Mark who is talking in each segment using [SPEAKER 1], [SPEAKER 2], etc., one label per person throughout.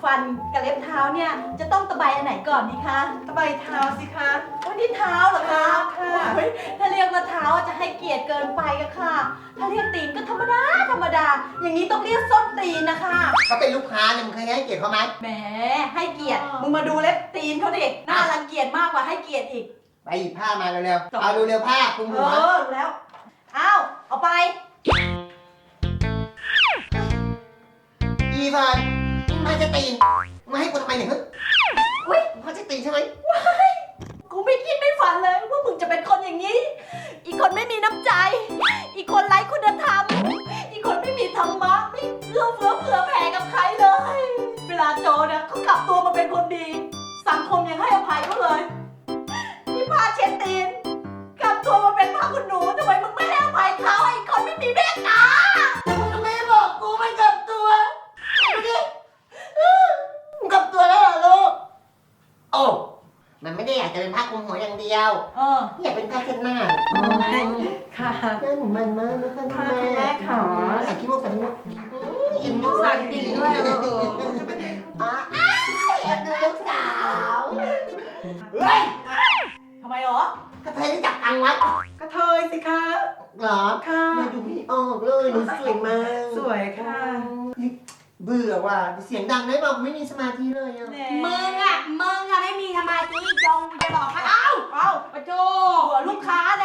[SPEAKER 1] ฟันกับเล็บเท้าเนี่ยจะต้องตะไบอันไหนก่อนดีคะ
[SPEAKER 2] ตะไบเท้าสิคะ
[SPEAKER 1] วันนี้เท้าเหรอคะ
[SPEAKER 2] ค่ะ
[SPEAKER 1] โอ้ยถ้าเรียกว่าเท้าจะให้เกียรติเกินไปอะค่ะ ถ้าเรียกตีนก็ธรรมดาธรรมดา อย่างนี้ต้องเรียกส้นตีนนะคะ
[SPEAKER 3] เขาเป็นลูกค้าเนี่ยมึงเคยให้เกียรติเขาไหม
[SPEAKER 1] แหมให้เกียรติมึงมาดูเล็บตีนเขาดิน่ารังเกียจมากกว่าให้เกียรติอีก
[SPEAKER 3] ไปหยิบผ้ามาเร็วๆเอาเร็วๆผ้าคลุม
[SPEAKER 1] เอ
[SPEAKER 3] หัว
[SPEAKER 1] อรู้แล้วอ้าวเอาไป
[SPEAKER 3] อีฟานมาจะตีนมาให้กูทำไมเนี่ย
[SPEAKER 1] อุ๊ย
[SPEAKER 3] มาจะตีนใช่ไหม
[SPEAKER 1] กูไม่คิดไม่ฝันเลยว่ามึงจะเป็นคนอย่างนี้ อีกคนไม่มีน้ำใจ อีกคนไร้คุณธรรม อีกคนไม่มีธรรมะไม่เอื้อเฟื้อเผื่อแผ่กับใครเลย เวลาโจเนี่ยเขากลับตัวมาเป็นคนดี สังคมยังให้อภัยเขาเลยนี่พาเช็ดตีนกลับตัวมาเป็นพระคุณหนูทำไมมึงไม่ให้อภัยเขาไอ้คนไม่มีเมตตา
[SPEAKER 3] ทำไมบอกกูไม่กลับตัวดูดิมึงกลับตัวแล้วเหรอลูกโอ้มันไม่ได้อยากจะเป็นผ้าคลุมหัวอย่างเดียว อยากเป็นผ้าเช็ดหน้า
[SPEAKER 2] ค่ะ
[SPEAKER 3] หน้าหนูมันมากนะคะ
[SPEAKER 2] ค่ะคุณแม่ค่ะ
[SPEAKER 3] ใส่ขี้มูกใส่ขี้มูกอินมูก
[SPEAKER 2] ใส่จริงด้วย
[SPEAKER 3] อ๋อแอบดูลูกสาวเฮ้ย
[SPEAKER 1] ทำไมหรอ
[SPEAKER 3] กระเทยรู้จักตังวัด
[SPEAKER 2] กระเทยสิคะ
[SPEAKER 3] เหรอ
[SPEAKER 2] ค่ะ
[SPEAKER 3] แม่ดูไม่ออกเลยหนูสวยมาก
[SPEAKER 2] สวยค่ะ
[SPEAKER 3] เบื่อว่ะเสียงดังได้บอกไม่มีสมาธิเลยอ่ะ
[SPEAKER 4] มึงอะไม่มีสมาธิจงจะหลอกให้เอ้าปะโจ
[SPEAKER 1] หัวลูกค้านะ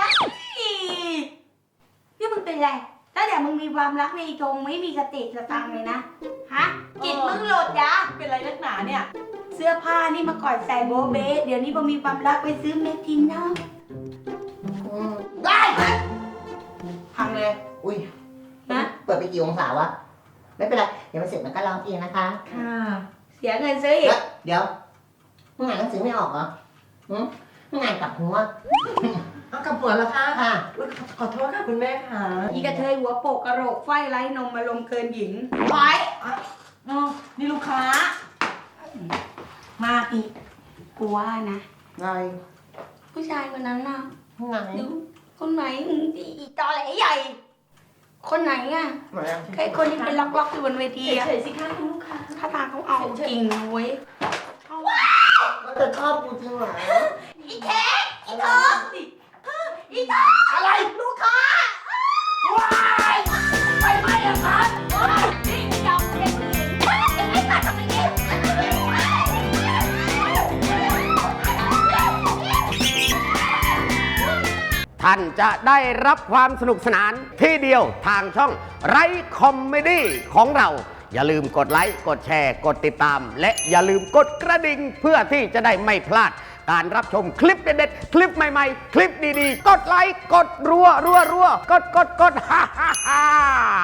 [SPEAKER 4] พี่มึงเป็นไรตั้งแต่มึงมีความรักในจงไม่มีสติสตังค์เลยนะ ฮะ จิตมึงโหลดยา
[SPEAKER 1] เป็นไรนักหนาเนี่ย
[SPEAKER 4] เสื้อผ้านี่มาก่อนใส่โบเบสเดี๋ยวนี้พอมีความรักไปซื้อเมทินเนาะ
[SPEAKER 3] ได้
[SPEAKER 4] พังเลย
[SPEAKER 3] อุ้ย
[SPEAKER 4] นะ
[SPEAKER 3] เปิดไปกี่องศาวะไม่เป็นไรเดี๋ยวมันเสร็จมันก็ร้องเองนะคะ
[SPEAKER 2] ค่ะ
[SPEAKER 4] เสียเงินซื้ออีก
[SPEAKER 3] เดี๋ยวมึงอ่านหนังสือไม่ออกเหรอมึงอ่านกลับหัว
[SPEAKER 2] เอากลับหัวแล้วค่ะ
[SPEAKER 3] ค่ะ
[SPEAKER 2] อุ๊ยขอโทษค่ะคุณแม่ค่ะ
[SPEAKER 4] อีกระเทยหัวโปกกระโหลกไฟไร้นมมาลมเกินหญิง
[SPEAKER 1] ไปนี่ลูกค้า
[SPEAKER 4] มาอีกกูว่านะ
[SPEAKER 3] ไง
[SPEAKER 4] ผู้ชายคนนั้นน่ะ
[SPEAKER 3] ไง
[SPEAKER 4] ดูคนไหนอีตอแหลใหญ่ คนไหนอ่ะ
[SPEAKER 3] มาแล้ว
[SPEAKER 4] ไอ้คนที่เป็นล็อกๆอยู่บนเวทีอะ
[SPEAKER 1] เฉยๆสิคะคุณลูกค้า
[SPEAKER 4] ถ้าทางเขาเอาจริงนะเว้ย
[SPEAKER 3] ก็จะชอบกูจริงเหรอ
[SPEAKER 1] อีแท็กอีเธออีเธอ
[SPEAKER 3] อะไร
[SPEAKER 1] ลูกค้า
[SPEAKER 3] ว้ายไปไหมอะครับ
[SPEAKER 1] นี่ยอมเด็กผู้หญิงยังไม่ตัดทำไมเนี่ย
[SPEAKER 5] ท่านจะได้รับความสนุกสนานที่เดียวทางช่องไรคอมเมดี้ของเรา อย่าลืมกดไลค์ กดแชร์ กดติดตาม และอย่าลืมกดกระดิ่งเพื่อที่จะได้ไม่พลาด การรับชมคลิปเด็ดๆ คลิปใหม่ๆ คลิปดีๆ กดไลค์ กดรัว กดฮ่าฮ่าฮ่า